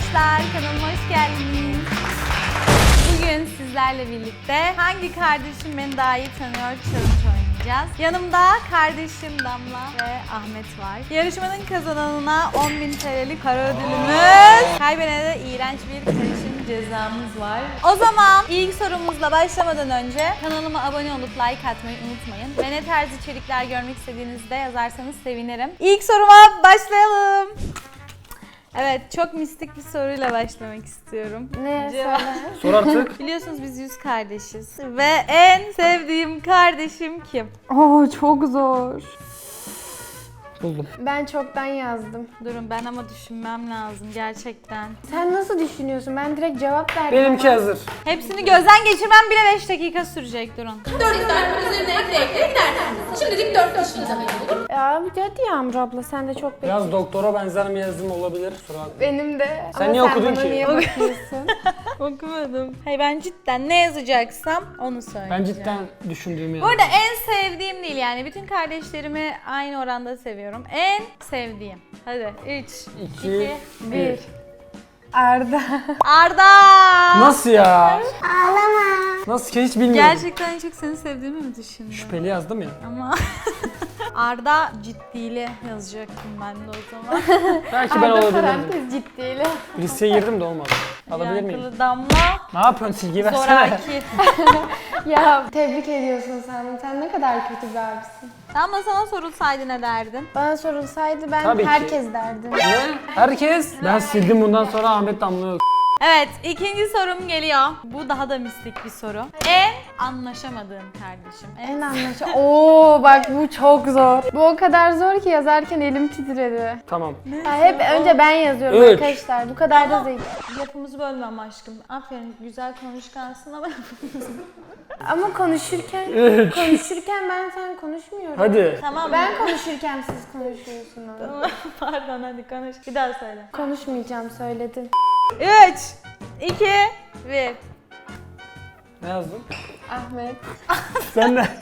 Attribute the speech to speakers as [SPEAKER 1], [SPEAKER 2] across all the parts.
[SPEAKER 1] arkadaşlar, kanalıma hoş geldiniz. Bugün sizlerle birlikte hangi kardeşim beni daha iyi tanıyor challenge oynayacağız. Yanımda kardeşim Damla ve Ahmet var. Yarışmanın kazananına 10.000 TL'lik para ödülümüz, kaybedene de iğrenç bir karışım cezamız var. O zaman ilk sorumuzla başlamadan önce kanalıma abone olup like atmayı unutmayın. Ve ne tarz içerikler görmek istediğinizde yazarsanız sevinirim. İlk soruma başlayalım. Evet, çok mistik bir soruyla başlamak istiyorum.
[SPEAKER 2] Ne? Söyle.
[SPEAKER 3] Sor artık.
[SPEAKER 1] Biliyorsunuz biz 100 kardeşiz ve en sevdiğim kardeşim kim?
[SPEAKER 2] Oo, çok zor.
[SPEAKER 3] Buldum.
[SPEAKER 2] Ben çoktan yazdım.
[SPEAKER 1] Durun, ben ama düşünmem lazım gerçekten.
[SPEAKER 2] Sen nasıl düşünüyorsun? Ben direkt cevap verdim.
[SPEAKER 3] Benimki
[SPEAKER 2] ama.
[SPEAKER 3] hazır.
[SPEAKER 1] Hepsini gözden geçirmem bile 5 dakika sürecek, durun.
[SPEAKER 4] 4 tane üzerine ekle gidersiniz. Şimdilik 4 kişiyi daha olur.
[SPEAKER 2] Ya hadi Yağmur abla, sen de çok bekliyorsun.
[SPEAKER 3] Biraz doktora benzer bir yazım olabilir. Kusura bakma.
[SPEAKER 2] Benim de.
[SPEAKER 3] Sen
[SPEAKER 2] Ama
[SPEAKER 3] niye okudun
[SPEAKER 2] bana
[SPEAKER 3] ki?
[SPEAKER 2] niye bakıyorsun?
[SPEAKER 1] Okumadım. Hayır, ben cidden ne yazacaksam onu söyleyeceğim.
[SPEAKER 3] Ben cidden düşündüğümü
[SPEAKER 1] Bu
[SPEAKER 3] yazdım.
[SPEAKER 1] arada en sevdiğim değil, yani bütün kardeşlerimi aynı oranda seviyorum. En sevdiğim. Hadi 3, 2,
[SPEAKER 2] 1. Arda.
[SPEAKER 1] Arda!
[SPEAKER 3] Nasıl ya? Ağlama. Nasıl ki hiç bilmiyorum.
[SPEAKER 1] Gerçekten en çok seni sevdiğimi mi düşündün?
[SPEAKER 3] Şüpheli yazdım ya.
[SPEAKER 1] Ama Arda ciddiyle yazacaktım ben de o zaman.
[SPEAKER 3] Belki ben
[SPEAKER 2] Arda
[SPEAKER 3] olabilirdim.
[SPEAKER 2] parantez ciddiyle.
[SPEAKER 3] Riske girdim de olmadı. Alabilir miyim?
[SPEAKER 1] Yankılı Damla,
[SPEAKER 3] Ne yapıyorsun, silgi versene.
[SPEAKER 1] zoraki.
[SPEAKER 2] Ya tebrik ediyorsun sen. Sen ne kadar kötü bir abisin.
[SPEAKER 1] Damla, sana sorulsaydı ne derdin?
[SPEAKER 2] Bana sorulsaydı ben
[SPEAKER 3] Tabii ki.
[SPEAKER 2] herkes derdim.
[SPEAKER 3] Ne? Herkes? Ben sildim, bundan sonra Ahmet Damla yok.
[SPEAKER 1] Evet, ikinci sorum geliyor. Bu daha da mistik bir soru. En anlaşamadığım kardeşim.
[SPEAKER 2] En anlaşılır. Oo bak, bu çok zor. Bu o kadar zor ki yazarken elim titredi.
[SPEAKER 3] Tamam.
[SPEAKER 2] Ya hep önce ben yazıyorum
[SPEAKER 3] 3.
[SPEAKER 2] arkadaşlar. Bu kadar da zeki.
[SPEAKER 1] Lafımızı bölmem aşkım. Aferin, güzel konuşkansın ama
[SPEAKER 2] Ama konuşurken ben sen konuşmuyorum.
[SPEAKER 3] Hadi.
[SPEAKER 1] tamam.
[SPEAKER 2] Ben konuşurken siz konuşuyorsunuz.
[SPEAKER 1] Pardon, hadi konuş. Bir daha söyle.
[SPEAKER 2] Konuşmayacağım, söyledim.
[SPEAKER 1] 3, 2, 1.
[SPEAKER 3] Ne yazdın?
[SPEAKER 2] Ahmet.
[SPEAKER 3] Sen de.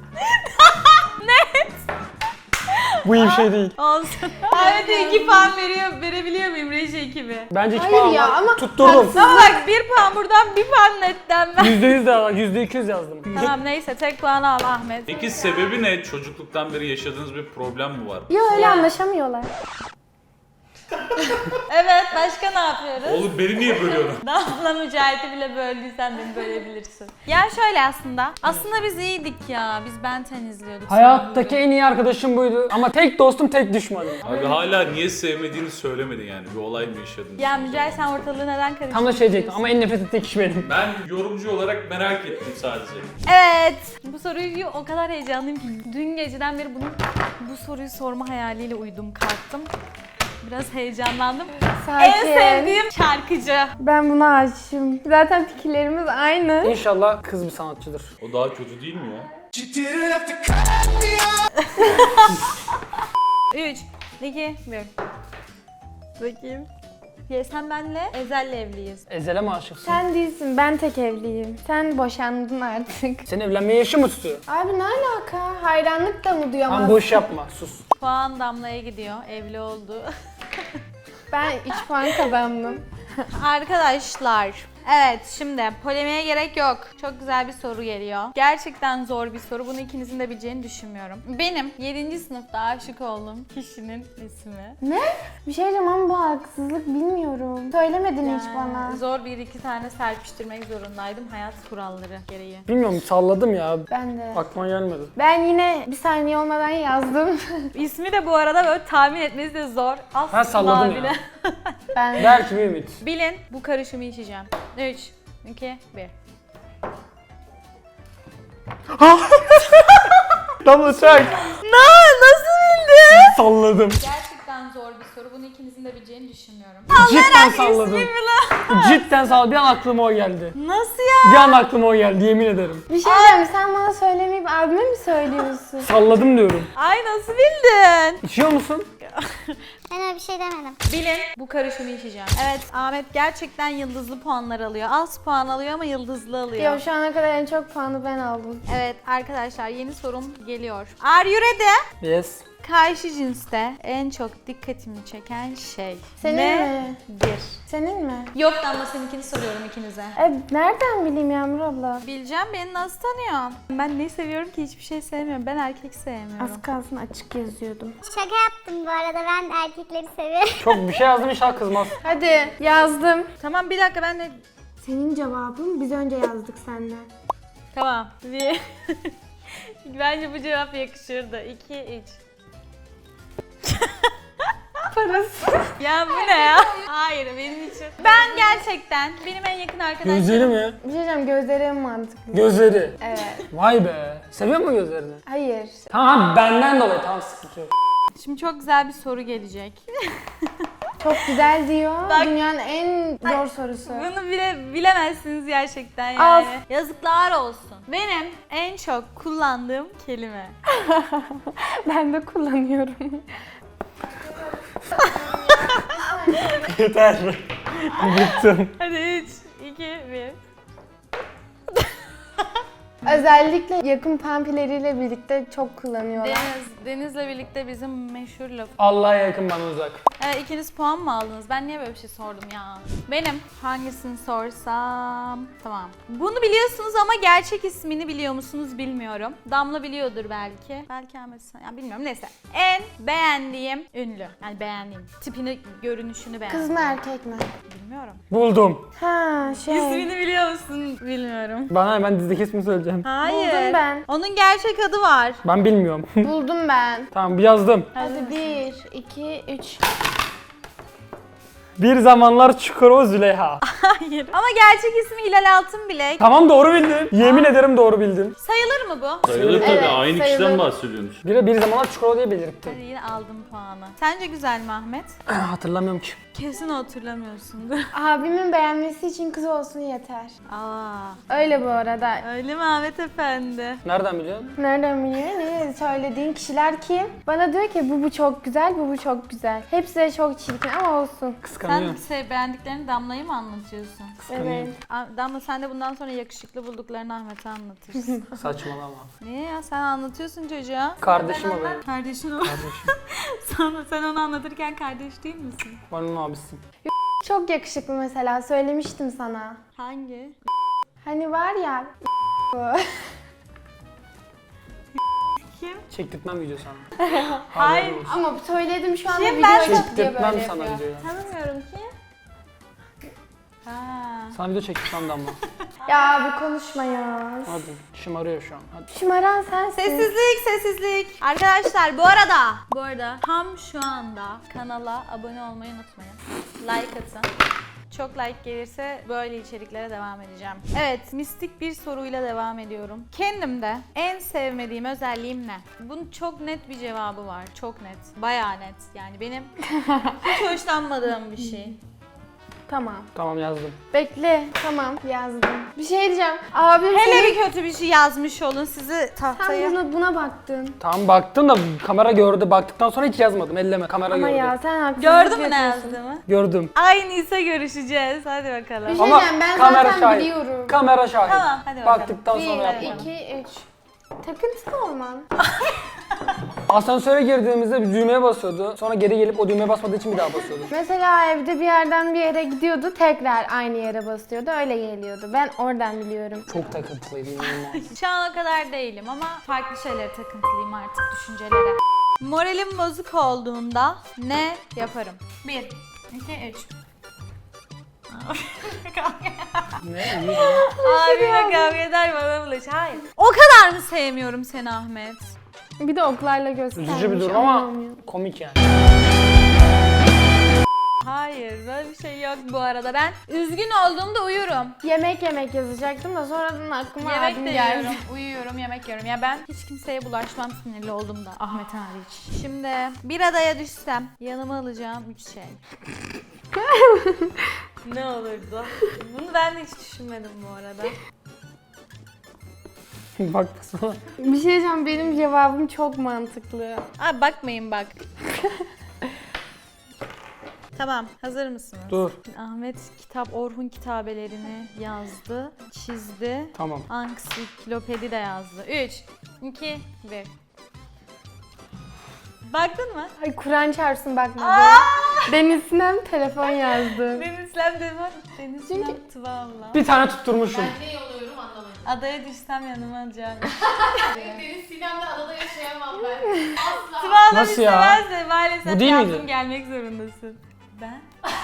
[SPEAKER 3] Bu iyi bir şey değil.
[SPEAKER 1] Olsun. Ahmet'e 2 puan verebiliyor muyum reji ekibi?
[SPEAKER 3] Bence 2
[SPEAKER 2] Hayır
[SPEAKER 3] puan
[SPEAKER 2] ya,
[SPEAKER 3] var.
[SPEAKER 2] ama
[SPEAKER 3] Tutturdum.
[SPEAKER 2] haksız.
[SPEAKER 1] Ama bak, 1 puan buradan, 1 puan netten ben.
[SPEAKER 3] %100 de %200 yazdım.
[SPEAKER 1] Tamam, neyse, tek puanı al Ahmet.
[SPEAKER 5] Peki sebebi ne? Çocukluktan beri yaşadığınız bir problem mi var?
[SPEAKER 2] Yok, öyle anlaşamıyorlar.
[SPEAKER 1] Evet, başka ne yapıyoruz?
[SPEAKER 5] Oğlum beni niye bölüyorsun?
[SPEAKER 1] Damla Mücahit'i bile böldüysen beni bölebilirsin. Ya şöyle aslında biz iyiydik ya. Biz Ben 10 izliyorduk.
[SPEAKER 3] Hayattaki en iyi arkadaşım buydu. Ama tek dostum, tek düşmanım.
[SPEAKER 5] Abi hala niye sevmediğini söylemedin yani. Bir olay mı yaşadın?
[SPEAKER 1] Ya Mücahit, sen ortalığı neden karıştırdın?
[SPEAKER 3] Tam da şey diyecektim ama en nefret ettiğim kişi benim.
[SPEAKER 5] Ben yorumcu olarak merak ettim sadece.
[SPEAKER 1] Evet. Bu soruyu o kadar heyecanlıyım ki dün geceden beri bu soruyu sorma hayaliyle uyudum, kalktım. Biraz heyecanlandım.
[SPEAKER 2] Sakin.
[SPEAKER 1] En sevdiğim şarkıcı.
[SPEAKER 2] Ben buna aşığım. Zaten fikirlerimiz aynı.
[SPEAKER 3] İnşallah kız bir sanatçıdır.
[SPEAKER 5] O daha kötü değil mi ya?
[SPEAKER 1] 3, 2, 1. Bakayım. Ya sen benle Ezel'le evliyiz.
[SPEAKER 3] Ezel'e mi aşıksın?
[SPEAKER 2] Sen değilsin, ben tek evliyim. Sen boşandın artık.
[SPEAKER 3] Senin evlenmeye yaşı mı tutuyor?
[SPEAKER 2] Abi ne alaka? Hayranlık da mı
[SPEAKER 3] Lan
[SPEAKER 2] duyamazsın?
[SPEAKER 3] boş yapma, sus.
[SPEAKER 1] Puan Damla'ya gidiyor. Evli oldu.
[SPEAKER 2] Ben 3 puan kazandım.
[SPEAKER 1] Arkadaşlar, evet, şimdi polemiğe gerek yok. Çok güzel bir soru geliyor. Gerçekten zor bir soru. Bunu ikinizin de bileceğini düşünmüyorum. Benim 7. sınıfta aşık olduğum kişinin ismi.
[SPEAKER 2] Ne? Bir şey diyeceğim ama bu haksızlık, bilmiyorum. Söylemedin hiç bana.
[SPEAKER 1] Zor bir iki tane serpiştirmek zorundaydım hayat kuralları gereği.
[SPEAKER 3] Bilmiyorum, salladım ya.
[SPEAKER 2] Ben de.
[SPEAKER 3] Aklıma gelmedi.
[SPEAKER 2] Ben yine bir saniye olmadan yazdım.
[SPEAKER 1] İsmi de bu arada böyle tahmin etmesi de zor. Asla
[SPEAKER 3] Ben salladım
[SPEAKER 1] bile.
[SPEAKER 3] ya.
[SPEAKER 2] Ben
[SPEAKER 3] Belki bir ümit.
[SPEAKER 1] Bilin, bu karışımı içeceğim. 3, 2, 1.
[SPEAKER 3] Damla çak.
[SPEAKER 1] Nasıl bildin?
[SPEAKER 3] Salladım.
[SPEAKER 1] Gerçekten zor bir soru. Bunu ikinizin de bileceğini düşünmüyorum.
[SPEAKER 3] Cidden salladım. Cidden salladım. Bir an aklıma o geldi.
[SPEAKER 1] Nasıl ya?
[SPEAKER 3] Bir an aklıma o geldi, yemin ederim.
[SPEAKER 2] bir şey diyeceğim, sen bana söylemeyip abime mi söylüyorsun?
[SPEAKER 3] Salladım diyorum.
[SPEAKER 1] Ay, nasıl bildin?
[SPEAKER 3] İçiyor musun?
[SPEAKER 6] Ben öyle bir şey demedim.
[SPEAKER 1] Bilin, bu karışımı içeceğim. Evet, Ahmet gerçekten yıldızlı puanlar alıyor. Az puan alıyor ama yıldızlı alıyor.
[SPEAKER 2] Yo, şu ana kadar en çok puanı ben aldım.
[SPEAKER 1] Evet arkadaşlar, yeni sorum geliyor. Are you ready?
[SPEAKER 3] Yes.
[SPEAKER 1] Karşı cinste en çok dikkatimi çeken şey
[SPEAKER 2] Senin mi?
[SPEAKER 1] nedir?
[SPEAKER 2] Senin mi?
[SPEAKER 1] Yok Damla, seninkini soruyorum ikinize.
[SPEAKER 2] Nereden bileyim Yağmur abla?
[SPEAKER 1] Bileceğim, beni nasıl tanıyorsun? Ben ne seviyorum ki? Hiçbir şey sevmiyorum. Ben erkek sevmiyorum.
[SPEAKER 2] Az kalsın açık yazıyordum.
[SPEAKER 6] Şaka yaptım bu arada, ben erkekleri seviyorum.
[SPEAKER 3] Çok bir şey yazdım, inşallah kızmaz.
[SPEAKER 2] Hadi yazdım.
[SPEAKER 1] Tamam, bir dakika ben de...
[SPEAKER 2] Senin cevabın biz önce yazdık senden.
[SPEAKER 1] Tamam. Bir... Bence bu cevap yakışırdı. 2, 3.
[SPEAKER 2] Parası.
[SPEAKER 1] Ya bu ne ya? Hayır, benim için. Ben gerçekten benim en yakın arkadaşlarım.
[SPEAKER 3] Gözleri mi?
[SPEAKER 2] Bir şey diyeceğim, gözleri en mantıklı.
[SPEAKER 3] Gözleri.
[SPEAKER 2] Evet.
[SPEAKER 3] Vay be. Seviyor musun gözlerini?
[SPEAKER 2] Hayır.
[SPEAKER 3] Tamam, benden dolayı, tamam, sıkıntı yok.
[SPEAKER 1] Şimdi çok güzel bir soru gelecek.
[SPEAKER 2] Çok güzel diyor.
[SPEAKER 1] Bak.
[SPEAKER 2] Dünyanın en zor sorusu.
[SPEAKER 1] Bunu bile bilemezsiniz gerçekten yani.
[SPEAKER 2] Al.
[SPEAKER 1] Yazıklar olsun. Benim en çok kullandığım kelime.
[SPEAKER 2] Ben de kullanıyorum.
[SPEAKER 3] Yeter. Bıktım.
[SPEAKER 1] Hadi 3, 2, 1.
[SPEAKER 2] Özellikle yakın pampileriyle birlikte çok kullanıyorlar.
[SPEAKER 1] Deniz'le birlikte bizim meşhur laf.
[SPEAKER 3] Allah'a yakın, bana uzak.
[SPEAKER 1] Evet, ikiniz puan mı aldınız? Ben niye böyle bir şey sordum ya? Benim hangisini sorsam... Tamam. Bunu biliyorsunuz ama gerçek ismini biliyor musunuz bilmiyorum. Damla biliyordur belki. Belki Ahmet sen... Ya bilmiyorum, neyse. En beğendiğim ünlü. Yani beğendiğim. Tipini, görünüşünü beğendim.
[SPEAKER 2] Kız mı erkek mi?
[SPEAKER 1] Bilmiyorum.
[SPEAKER 3] Buldum.
[SPEAKER 2] Ha
[SPEAKER 1] İsmini biliyor musun? Bilmiyorum.
[SPEAKER 3] Bana hemen dizideki ismini söyleyeceğim.
[SPEAKER 1] Hayır.
[SPEAKER 2] Buldum ben.
[SPEAKER 1] Onun gerçek adı var.
[SPEAKER 3] Ben bilmiyorum.
[SPEAKER 2] Buldum ben.
[SPEAKER 3] Tamam, bir yazdım.
[SPEAKER 2] Hadi 1, 2, 3.
[SPEAKER 3] Bir zamanlar Çukurova Züleyha.
[SPEAKER 1] Hayır. Ama gerçek ismi Hilal Altınbilek.
[SPEAKER 3] Tamam, doğru bildin. Yemin ederim doğru bildin.
[SPEAKER 1] Sayılır mı bu?
[SPEAKER 5] Sayılır tabii,
[SPEAKER 2] Evet,
[SPEAKER 5] aynı
[SPEAKER 2] sayılır.
[SPEAKER 5] kişiden bahsediyorsunuz.
[SPEAKER 3] Bir zamanlar Çukurova diye belirttim.
[SPEAKER 1] Hadi yine aldım puanı. Sence güzel mi Ahmet?
[SPEAKER 3] Hatırlamıyorum ki.
[SPEAKER 1] Kesin hatırlamıyorsundur.
[SPEAKER 2] Abimin beğenmesi için kız olsun yeter.
[SPEAKER 1] Aa,
[SPEAKER 2] Öyle bu arada.
[SPEAKER 1] öyle mi Ahmet Efendi?
[SPEAKER 3] Nereden biliyorsun?
[SPEAKER 2] Nereden biliyor? Ne söylediğin kişiler kim? Bana diyor ki bu çok güzel, bu çok güzel. Hepsi de çok çirkin ama olsun.
[SPEAKER 1] Sen
[SPEAKER 3] Kıskanıyorum.
[SPEAKER 1] beğendiklerini Damla'yı mı anlatıyorsun?
[SPEAKER 2] Evet.
[SPEAKER 1] Damla, sen de bundan sonra yakışıklı bulduklarını Ahmet'e anlatırsın.
[SPEAKER 3] Saçmalama.
[SPEAKER 1] Niye ya? Sen anlatıyorsun çocuğa.
[SPEAKER 3] Kardeşim o benim.
[SPEAKER 1] Kardeşin o.
[SPEAKER 3] Kardeşim.
[SPEAKER 1] Sen onu anlatırken kardeş değil misin?
[SPEAKER 3] Ben onun abisiyim.
[SPEAKER 2] Çok yakışıklı mesela, söylemiştim sana.
[SPEAKER 1] Hangi?
[SPEAKER 2] Hani var ya
[SPEAKER 1] Kim?
[SPEAKER 3] Çektirtmem video sana.
[SPEAKER 1] Hayır.
[SPEAKER 3] Haberin olsun.
[SPEAKER 2] ama söyledim şu anda
[SPEAKER 1] Kim?
[SPEAKER 2] video
[SPEAKER 1] Ben
[SPEAKER 2] çıktı diye
[SPEAKER 3] Çektirtmem
[SPEAKER 2] böyle
[SPEAKER 3] sana
[SPEAKER 2] yapıyor.
[SPEAKER 3] videoyu.
[SPEAKER 1] Tanımıyorum ki. Ha.
[SPEAKER 3] Sana video çektirtmem Damla.
[SPEAKER 2] Ya bir konuşma ya.
[SPEAKER 3] Hadi. Şımarıyor şu an. Hadi.
[SPEAKER 2] Şımaran sensin.
[SPEAKER 1] Sessizlik. Arkadaşlar bu arada tam şu anda kanala abone olmayı unutmayın. Like atın. Çok like gelirse böyle içeriklere devam edeceğim. Evet, mistik bir soruyla devam ediyorum. Kendimde en sevmediğim özelliğim ne? Bunun çok net bir cevabı var. Çok net. Bayağı net. Yani benim hiç hoşlanmadığım bir şey.
[SPEAKER 2] Tamam.
[SPEAKER 3] Tamam, yazdım.
[SPEAKER 2] Bekle. Tamam yazdım. Bir şey diyeceğim. Abim
[SPEAKER 1] Hele
[SPEAKER 2] senin...
[SPEAKER 1] bir kötü bir şey yazmış olun sizi tahtaya.
[SPEAKER 2] Sen buna baktın.
[SPEAKER 3] Tamam, baktın da kamera gördü. Baktıktan sonra hiç yazmadım. Elleme, kamera
[SPEAKER 2] Ama
[SPEAKER 3] gördü.
[SPEAKER 2] ya sen haksızlık
[SPEAKER 1] Gördün mü ne
[SPEAKER 2] yapıyorsun.
[SPEAKER 1] yazdığımı?
[SPEAKER 3] Gördüm.
[SPEAKER 1] Aynıysa görüşeceğiz. Hadi bakalım.
[SPEAKER 2] Bir şey
[SPEAKER 3] Ama
[SPEAKER 2] diyeceğim, ben
[SPEAKER 3] kamera
[SPEAKER 2] zaten
[SPEAKER 3] şahit.
[SPEAKER 2] biliyorum.
[SPEAKER 3] Kamera şahit.
[SPEAKER 1] Tamam, hadi bakalım.
[SPEAKER 3] Baktıktan sonra
[SPEAKER 2] 1,
[SPEAKER 3] yapmadım.
[SPEAKER 2] 2, 3. Takıntılı olman.
[SPEAKER 3] Asansöre girdiğimizde bir düğmeye basıyordu. Sonra geri gelip o düğmeye basmadığı için bir daha basıyordu.
[SPEAKER 2] Mesela evde bir yerden bir yere gidiyordu, tekrar aynı yere basıyordu, öyle geliyordu. Ben oradan biliyorum.
[SPEAKER 3] Çok takıntılıydı, inanılmaz.
[SPEAKER 1] Şu ana kadar değilim ama farklı şeylere takıntılıyım artık, düşüncelere. Moralim bozuk olduğunda ne yaparım? 1, 2, 3.
[SPEAKER 3] Ne?
[SPEAKER 1] Abime kavga eder, bana bulaş. Hayır. O kadar mı sevmiyorum seni Ahmet?
[SPEAKER 2] Bir de oklarla göstermiş.
[SPEAKER 3] Üzücü bir durum ama
[SPEAKER 2] anlamıyor.
[SPEAKER 3] komik yani.
[SPEAKER 1] Hayır, böyle bir şey yok bu arada. Ben üzgün olduğumda uyurum.
[SPEAKER 2] Yemek yazacaktım da sonradan aklıma
[SPEAKER 1] Yemek
[SPEAKER 2] abim
[SPEAKER 1] de
[SPEAKER 2] geldi.
[SPEAKER 1] yiyorum, uyuyorum, yemek yiyorum. Ya ben hiç kimseye bulaşmam sinirli olduğumda. Ahmet hariç. Şimdi bir adaya düşsem yanıma alacağım 3 şey. Ne olurdu? Bunu ben de hiç düşünmedim bu arada.
[SPEAKER 3] Bak sana.
[SPEAKER 2] Bir şey diyeceğim, benim cevabım çok mantıklı.
[SPEAKER 1] Abi bakmayın bak. Tamam, hazır mısınız?
[SPEAKER 3] Dur.
[SPEAKER 1] Ahmet Orhun kitabelerini yazdı, çizdi.
[SPEAKER 3] Tamam.
[SPEAKER 1] Ansiklopedi de yazdı. 3, 2, 1. Baktın mı?
[SPEAKER 2] Ay Kur'an çarpsın bakmadı.
[SPEAKER 1] Aa!
[SPEAKER 2] Deniz Sinem telefon yazdı.
[SPEAKER 1] Deniz Sinem demem. Deniz Sinem Tuğabla.
[SPEAKER 3] Bir tane tutturmuşum.
[SPEAKER 4] Ne oluyorum anlamadım.
[SPEAKER 1] Adaya düşsem yanıma alacağım.
[SPEAKER 4] Deniz Sinem'le adada yaşayamam ben. Asla.
[SPEAKER 1] Tuğabla
[SPEAKER 3] Nasıl
[SPEAKER 1] bir
[SPEAKER 3] ya?
[SPEAKER 1] severse maalesef
[SPEAKER 3] Bu değil
[SPEAKER 1] yardım
[SPEAKER 3] miydi?
[SPEAKER 1] gelmek zorundasın. Ben?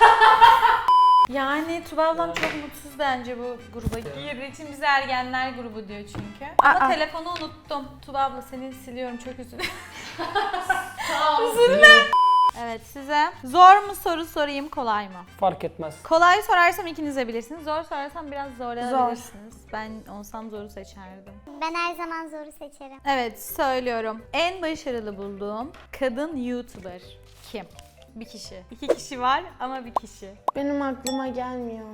[SPEAKER 1] Yani Tuba ablam çok mutsuz bence bu gruba girdiği için bize ergenler grubu diyor çünkü. Ama
[SPEAKER 2] Aa.
[SPEAKER 1] telefonu unuttum. Tuba abla seni siliyorum çok üzülüyorum.
[SPEAKER 4] Üzülme.
[SPEAKER 1] Evet size zor mu soru sorayım kolay mı?
[SPEAKER 3] Fark etmez.
[SPEAKER 1] Kolay sorarsam ikiniz de bilirsiniz. Zor sorarsam biraz zorlanabilirsiniz. Ben olsam zoru seçerdim.
[SPEAKER 6] Ben her zaman zoru seçerim.
[SPEAKER 1] Evet söylüyorum. En başarılı bulduğum kadın YouTuber kim? Bir kişi. İki kişi var ama bir kişi.
[SPEAKER 2] Benim aklıma gelmiyor.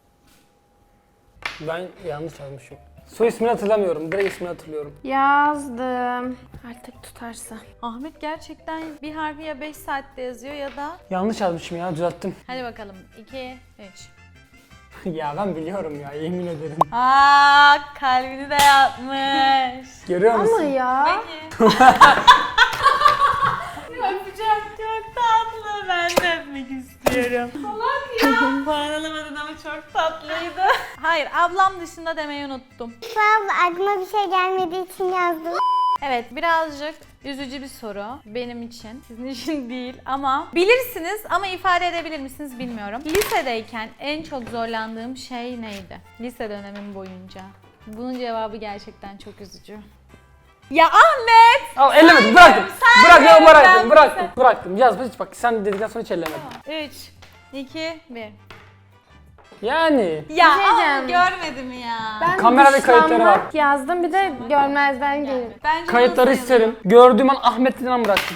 [SPEAKER 3] Ben yanlış yazmışım. Soy ismini hatırlamıyorum. Direkt ismini hatırlıyorum.
[SPEAKER 2] Yazdım. Artık tutarsa.
[SPEAKER 1] Ahmet gerçekten bir harfi ya 5 saatte yazıyor ya da...
[SPEAKER 3] Yanlış yazmışım ya, düzelttim.
[SPEAKER 1] Hadi bakalım 2, 3.
[SPEAKER 3] Ya ben biliyorum ya, yemin ederim.
[SPEAKER 1] Aa kalbini de yapmış.
[SPEAKER 3] Görüyor musun?
[SPEAKER 2] Ama ya.
[SPEAKER 1] Peki. Öpeceğim. Çok tatlı. Ben de öpmek istiyorum. Salak ya. Puan alamadın ama çok tatlıydı. Hayır ablam dışında demeyi unuttum.
[SPEAKER 6] Abla aklıma bir şey gelmediği için yazdım.
[SPEAKER 1] Evet birazcık üzücü bir soru benim için. Sizin için değil ama bilirsiniz ama ifade edebilir misiniz bilmiyorum. Lisedeyken en çok zorlandığım şey neydi? Lise dönemim boyunca. Bunun cevabı gerçekten çok üzücü. Ya Ahmet!
[SPEAKER 3] Al ellemedim, bıraktım.
[SPEAKER 1] saymıyorum,
[SPEAKER 3] Bıraktım.
[SPEAKER 1] ben
[SPEAKER 3] Bıraktım. Yazma hiç, bak sen dedikten sonra hiç ellemedim.
[SPEAKER 1] 3, 2, 1.
[SPEAKER 3] Yani.
[SPEAKER 1] Ya
[SPEAKER 2] Bir şey
[SPEAKER 1] ama
[SPEAKER 2] diyeceğim.
[SPEAKER 1] görmedim ya.
[SPEAKER 2] Ben
[SPEAKER 3] Kamerada kayıtları var.
[SPEAKER 2] dışlanmak yazdım, bir de görmezden gelin.
[SPEAKER 1] Bence
[SPEAKER 3] Kayıtları
[SPEAKER 1] bunu sayalım.
[SPEAKER 3] isterim. Gördüğüm an Ahmet Dinan bıraktım.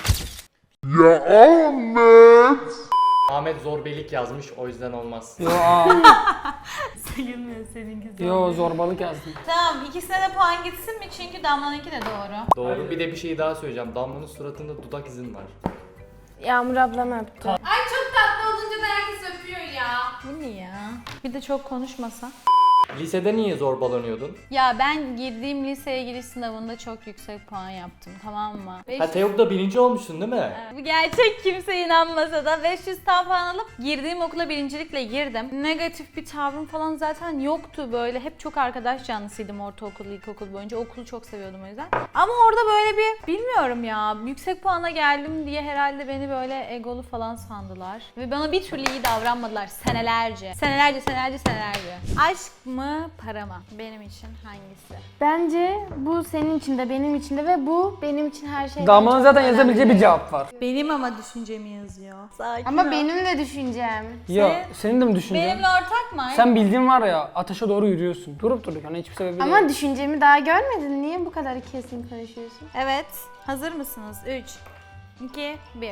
[SPEAKER 7] Ahmet zorbelik yazmış, o yüzden olmaz.
[SPEAKER 3] Yo
[SPEAKER 1] Sayılmıyor seninkisi.
[SPEAKER 3] Yo zorbalık yazdım.
[SPEAKER 1] Tamam ikisine de puan gitsin mi? Çünkü Damla'nınki de doğru.
[SPEAKER 7] Doğru. Bir de bir şey daha söyleyeceğim. Damla'nın suratında dudak izin var.
[SPEAKER 2] Yağmur ablam öptü.
[SPEAKER 4] Ay çok tatlı olunca da herkes öpüyor ya.
[SPEAKER 1] Bu ne ya? Bir de çok konuşmasa.
[SPEAKER 7] Lisede niye zorbalanıyordun?
[SPEAKER 1] Ya ben girdiğim liseye giriş sınavında çok yüksek puan yaptım tamam mı?
[SPEAKER 7] Ha TEOG'da birinci olmuşsun değil mi?
[SPEAKER 1] Bu gerçek kimse inanmasa da 500 tam puan alıp girdiğim okula birincilikle girdim. Negatif bir tavrım falan zaten yoktu böyle. Hep çok arkadaş canlısıydım ortaokul, ilkokul boyunca. Okulu çok seviyordum o yüzden. Ama orada böyle bir bilmiyorum ya yüksek puana geldim diye herhalde beni böyle egolu falan sandılar. Ve bana bir türlü iyi davranmadılar senelerce. Senelerce. Aşk mı para mı? Benim için hangisi?
[SPEAKER 2] Bence bu senin için de benim için de ve bu benim için her şey.
[SPEAKER 3] Damla'nın zaten yazabileceği bir cevap var.
[SPEAKER 1] Benim ama düşüncemi yazıyor. Sakin
[SPEAKER 2] Ama
[SPEAKER 1] ol.
[SPEAKER 2] benim de düşüncem.
[SPEAKER 3] Ya senin de mi düşüncen?
[SPEAKER 1] Benimle ortak mı?
[SPEAKER 3] Sen bildiğin var ya, ateşe doğru yürüyorsun. Durup durduk hani hiçbir sebebi
[SPEAKER 2] Ama
[SPEAKER 3] yok.
[SPEAKER 2] düşüncemi daha görmedin. Niye bu kadar kesin konuşuyorsun?
[SPEAKER 1] Evet. Hazır mısınız? 3, 2, 1.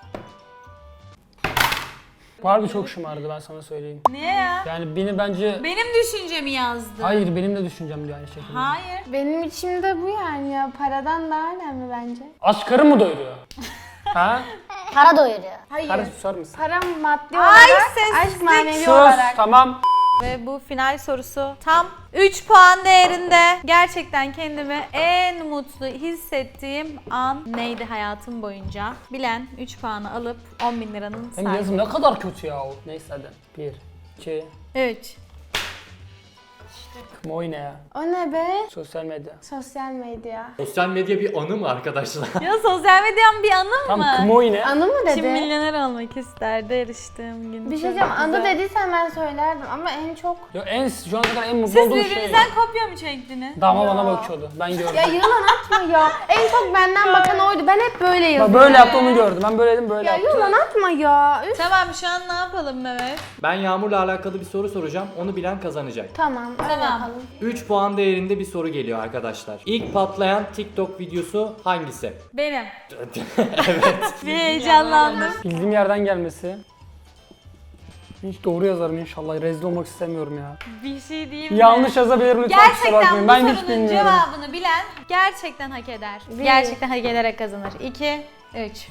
[SPEAKER 3] Harbi çok şımardı, ben sana söyleyeyim.
[SPEAKER 1] Niye ya?
[SPEAKER 3] Yani beni bence...
[SPEAKER 1] Benim düşüncemi yazdı.
[SPEAKER 3] Hayır, benim de düşüncem diyor aynı şekilde.
[SPEAKER 1] Hayır.
[SPEAKER 2] Benim içimde bu yani ya. Paradan daha önemli bence.
[SPEAKER 3] Aşk karı mı doyuruyor? Ha?
[SPEAKER 6] Para doyuruyor.
[SPEAKER 2] Hayır.
[SPEAKER 3] Karı susar mısın?
[SPEAKER 2] Para maddi
[SPEAKER 1] Ay,
[SPEAKER 2] olarak,
[SPEAKER 1] sessizlik.
[SPEAKER 2] aşk manevi
[SPEAKER 3] Sus,
[SPEAKER 2] olarak.
[SPEAKER 3] tamam.
[SPEAKER 1] Ve bu final sorusu tam 3 puan değerinde. Gerçekten kendimi en mutlu hissettiğim an neydi hayatım boyunca? Bilen 3 puanı alıp 10.000 liranın
[SPEAKER 3] Benim yazım
[SPEAKER 1] sahibi.
[SPEAKER 3] ne kadar kötü ya o. Neyse hadi. 1, 2,
[SPEAKER 1] 3.
[SPEAKER 3] o ne ya?
[SPEAKER 2] O ne be?
[SPEAKER 3] Sosyal medya.
[SPEAKER 2] Sosyal medya.
[SPEAKER 7] Sosyal medya bir anı mı arkadaşlar?
[SPEAKER 1] Ya sosyal medyanın bir anı
[SPEAKER 3] Tam
[SPEAKER 1] mı?
[SPEAKER 3] kımoy ne?
[SPEAKER 2] Anı mı
[SPEAKER 1] Kim
[SPEAKER 2] dedi?
[SPEAKER 1] milyoner olmak isterdi yarıştığım gün.
[SPEAKER 2] Bir şey
[SPEAKER 1] Çok
[SPEAKER 2] diyeceğim. Anı
[SPEAKER 1] güzel.
[SPEAKER 2] dediysen ben söylerdim ama en çok...
[SPEAKER 3] Ya şu ana kadar en mutlu
[SPEAKER 1] Siz
[SPEAKER 3] olduğum şey.
[SPEAKER 1] birbirinizden kopya mı çektiniz?
[SPEAKER 3] Dama bana bakıyordu. Ben gördüm.
[SPEAKER 2] Ya yalan atma ya. En çok benden bakan oydu. Ben hep böyle
[SPEAKER 3] Bak
[SPEAKER 2] yazıyorum.
[SPEAKER 3] böyle yaptı, onu gördüm. Ben böyleydim, böyle
[SPEAKER 2] Ya
[SPEAKER 3] yaptı.
[SPEAKER 2] yalan atma ya. Üf.
[SPEAKER 1] Tamam şu an ne yapalım Mehmet?
[SPEAKER 7] Ben Yağmur'la alakalı bir soru soracağım. Onu bilen kazanacak.
[SPEAKER 2] Tamam. Öyle
[SPEAKER 1] Tamam.
[SPEAKER 2] yapalım.
[SPEAKER 7] 3 puan değerinde bir soru geliyor arkadaşlar. İlk patlayan TikTok videosu hangisi?
[SPEAKER 1] Benim.
[SPEAKER 7] Evet.
[SPEAKER 1] Bir heyecanlandım.
[SPEAKER 3] Bildiğim yerden gelmesi. Hiç doğru yazarım inşallah. Rezil olmak istemiyorum ya.
[SPEAKER 1] Bir şey diyeyim mi?
[SPEAKER 3] Yanlış yazabilirim lütfen, kusura
[SPEAKER 1] Gerçekten
[SPEAKER 3] bakmayın.
[SPEAKER 1] bu
[SPEAKER 3] Ben hiç
[SPEAKER 1] sorunun
[SPEAKER 3] bilmiyorum.
[SPEAKER 1] cevabını bilen gerçekten hak eder.
[SPEAKER 2] Bir.
[SPEAKER 1] Gerçekten hak ederek kazanır. 2, 3.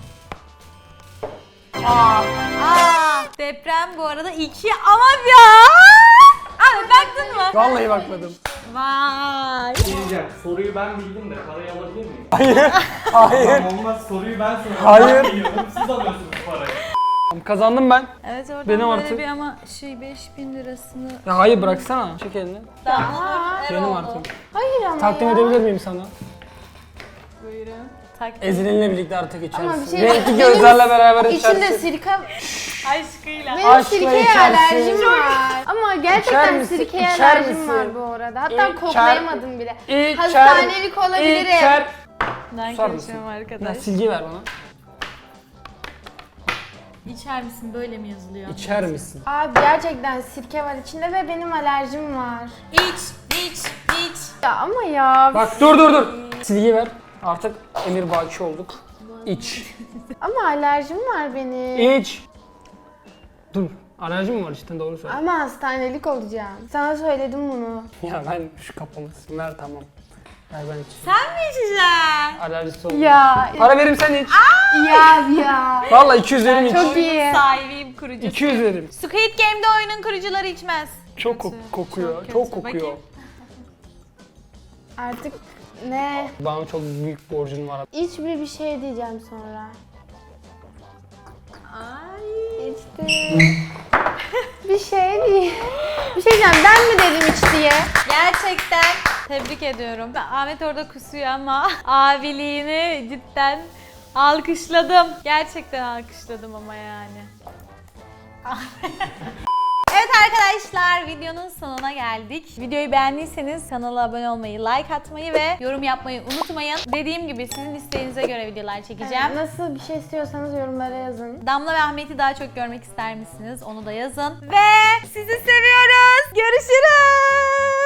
[SPEAKER 1] Aa, deprem bu arada 2 ama ya. Abi baktın mı?
[SPEAKER 3] Vallahi bakmadım.
[SPEAKER 1] Vay.
[SPEAKER 7] Diyeceğim. Soruyu ben bildim de parayı alabilir miyim?
[SPEAKER 3] Hayır.
[SPEAKER 7] Olmaz, soruyu ben soruyorum.
[SPEAKER 3] Hayır.
[SPEAKER 7] Ben biliyorum, siz alıyorsunuz parayı.
[SPEAKER 3] Kazandım ben.
[SPEAKER 1] Evet oradan
[SPEAKER 3] Benim
[SPEAKER 1] böyle
[SPEAKER 3] artık.
[SPEAKER 1] bir ama 5000 lirasını...
[SPEAKER 3] Ya hayır bıraksana. Çek elini.
[SPEAKER 1] Damla
[SPEAKER 3] Benim
[SPEAKER 1] Eroğlu.
[SPEAKER 3] artık.
[SPEAKER 2] Hayır ama
[SPEAKER 3] Takdim
[SPEAKER 2] ya.
[SPEAKER 3] edebilir miyim sana?
[SPEAKER 1] Buyurun. Takdim.
[SPEAKER 3] Ezilinle birlikte artık içersin.
[SPEAKER 2] Ama bir şey
[SPEAKER 3] Renkli gözlerle beraber içersin.
[SPEAKER 2] İçinde sirke...
[SPEAKER 1] Aşkıyla.
[SPEAKER 2] Benim
[SPEAKER 3] Aşkla
[SPEAKER 2] sirkeye
[SPEAKER 3] içersin.
[SPEAKER 2] alerjim var. Ama
[SPEAKER 3] İçer
[SPEAKER 2] gerçekten
[SPEAKER 3] misin?
[SPEAKER 2] sirkeye
[SPEAKER 3] İçer
[SPEAKER 2] alerjim
[SPEAKER 3] misin?
[SPEAKER 2] var bu arada. Hatta
[SPEAKER 3] İçer-
[SPEAKER 2] koklayamadım bile.
[SPEAKER 3] İçer-
[SPEAKER 2] Hastanelik olabilirim.
[SPEAKER 3] İçer.
[SPEAKER 1] Ben
[SPEAKER 3] Susar mısın?
[SPEAKER 1] karışıyorum
[SPEAKER 3] Ya
[SPEAKER 1] arkadaş.
[SPEAKER 3] silgi ver bana.
[SPEAKER 1] İçer misin böyle mi yazılıyor?
[SPEAKER 3] İçer misin?
[SPEAKER 2] Abi gerçekten sirke var içinde ve benim alerjim var.
[SPEAKER 1] İç.
[SPEAKER 2] Ya ama ya.
[SPEAKER 3] Bak dur. Silgi ver. Artık emir baki olduk. İç.
[SPEAKER 2] Ama alerjim var benim.
[SPEAKER 3] İç. Dur. Alerjim mi var cidden doğru söyle.
[SPEAKER 2] Ama hastanelik olacağım. Sana söyledim bunu.
[SPEAKER 3] Ya ben şu kafamı ver tamam. Ver ben içeyim.
[SPEAKER 1] Sen mi içeceksin?
[SPEAKER 3] Alerjisi oldu.
[SPEAKER 2] Ya.
[SPEAKER 3] Para verim sen iç.
[SPEAKER 2] Ya.
[SPEAKER 3] Vallahi 200 verim iç.
[SPEAKER 2] Çok iyi.
[SPEAKER 1] Sahibiyim kurucusu.
[SPEAKER 3] 200 verim.
[SPEAKER 1] Squid Game'de oyunun kurucuları içmez.
[SPEAKER 3] Çok
[SPEAKER 1] Kötü,
[SPEAKER 3] kokuyor.
[SPEAKER 1] kötü.
[SPEAKER 3] Çok kokuyor.
[SPEAKER 1] Bakayım.
[SPEAKER 2] Artık ne?
[SPEAKER 3] Bana çok büyük borcun var.
[SPEAKER 2] İç bir şey diyeceğim sonra.
[SPEAKER 1] Ay.
[SPEAKER 2] İçtim. Bir şey değil. Bir şey diyeceğim. Ben mi dedim iç diye?
[SPEAKER 1] Gerçekten tebrik ediyorum. Ahmet orada kusuyor ama abiliğini cidden alkışladım. Gerçekten alkışladım ama yani. Evet arkadaşlar videonun sonuna geldik. Videoyu beğendiyseniz kanala abone olmayı, like atmayı ve yorum yapmayı unutmayın. Dediğim gibi sizin isteğinize göre videolar çekeceğim.
[SPEAKER 2] Nasıl bir şey istiyorsanız yorumlara yazın.
[SPEAKER 1] Damla ve Ahmet'i daha çok görmek ister misiniz? Onu da yazın. Ve sizi seviyoruz. Görüşürüz.